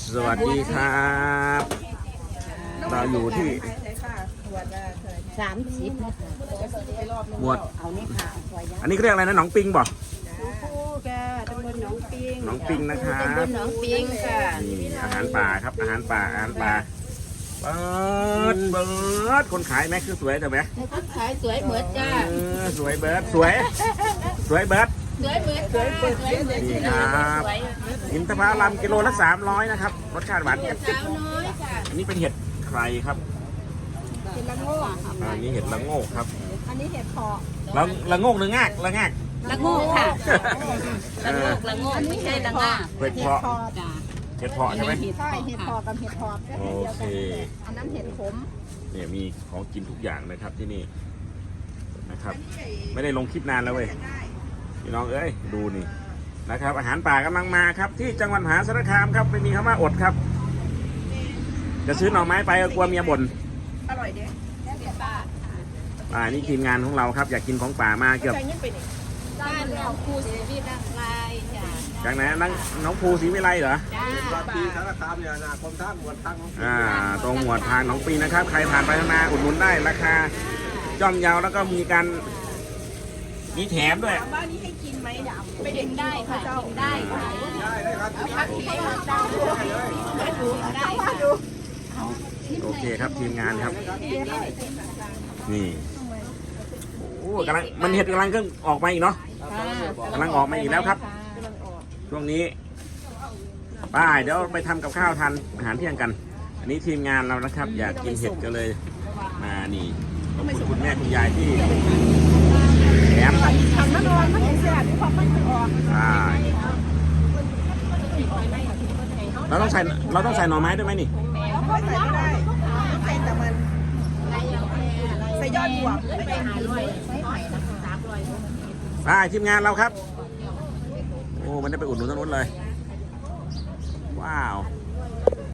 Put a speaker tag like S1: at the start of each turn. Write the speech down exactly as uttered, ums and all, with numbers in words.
S1: สวัสดีครับเราอยู่ที่
S2: สามสิบนะคะ
S1: หมวด
S2: เอานี่ค่ะสวย
S1: อันนี้เขาเรียกอะไรนะหนองปิงบ่
S2: คู่แกตำบลหนองปิง
S1: หนองปิงนะครับ
S2: ตำบลหนองปิงค่ะ
S1: นี่อาหารป่าครับอาหารป่าอาหารป่าเบิร์ดเบิร์ดคนขายแม็กคือสวยแต่ไหม
S2: ขายสวยเหมือนจ้า
S1: เออสวยเบิร์ดสวย สวยเบิร์ด
S2: สวยเหมือนสวยเหมือนสวยเหมือน
S1: นี่ครับอินทผลัมกิโลละสามร้อยนะครับรสชาติหวานเจี๊ยบ
S2: สาวน้อยค่ะ
S1: อันนี้เป็นเห็ดใครครับ
S2: เห็ดละโงก
S1: อันนี้เห็ดละโงกครับ
S2: อันนี้เห็ดเพาะ
S1: ละละโงกหรืองากละงาก
S2: ละโงกค่ะ
S1: เอ
S2: ละโง
S1: อก
S2: ละโงกไม่ใช่ละงา
S1: เห็ดเพาะ
S2: จ้า
S1: เห็ดเพาะใช่ไหม
S2: ใช่เห็ดเพาะกับเห็ดเพาะก็
S1: โอ
S2: เห็ดเดียว
S1: เค
S2: กันอันนั้นเห็ดขม
S1: เนี่ยมีของกินทุกอย่างนะครับที่นี่นะครับ ไม่ได้ลงคลิปนานแล้วเว้ยพี่น้องเอ้ยดูนี่นะครับ อาหารป่ากำลังมาครับ ที่จังหวัดมหาสารคามครับไม่มีคำว่าอดครับ จะซื้อหน่อไม้ไปก็กลัวเมียบ่น
S2: อร่อยเด้ป้า
S1: อ่านี่ทีมงานของเราครับ อยากกินของป่ามาเกือบ
S2: บ้านเราครูศิริร่างกายจ้า
S1: จากไหนนั่งน้องภูศรีวิไลเหรอ
S2: จ้า
S3: วัดปีสารคามเนี่ยนะกรมท่าหมวดตั้งของ
S1: อ่าตรงหมวดทางหนองปีนะครับ ใครผ่านไปผ่านมาอุดหนุนได้ราคาย่อมเยาแล้วก็มีการมีแถมด้วย
S2: บ้านนี้ให้กินไหมไปเด็กได้ค่ะกินได้ค่ะ
S3: ได้ได้ครับ
S2: พักที่ให้พักได้ได้ค่ะ
S1: โอเคครับทีมงานครับ นี่โอ้กำลังมันเห็ดกำลังก็ออกมาอีกเนาะกำลังออกมาอีกแล้วครับ ช่วงนี้ป้ายเดี๋ยวไปทำกับข้าวทานอาหารเที่ยงกัน อันนี้ทีมงานเรานะครับ อยากกินเห็ดก็เลยมานี่ขอบคุณคุณแม่คุณยายที่แถม
S2: ทำน้ำร้อนมันเสียบความมันออก
S1: ใช่เราต้องใส่เราต้องใส่หน่อไม้ด้วยไหมนี่
S2: ใส่ไม่ได้ใส่แต่มันใส่ยอดบวบไปหาร้อยใส่หอยนะคะสามร้อย
S1: ป้ายทีมงานเราครับ โอ้มันได้ไปอุดหนุนตรงนู้นเลย ว้าว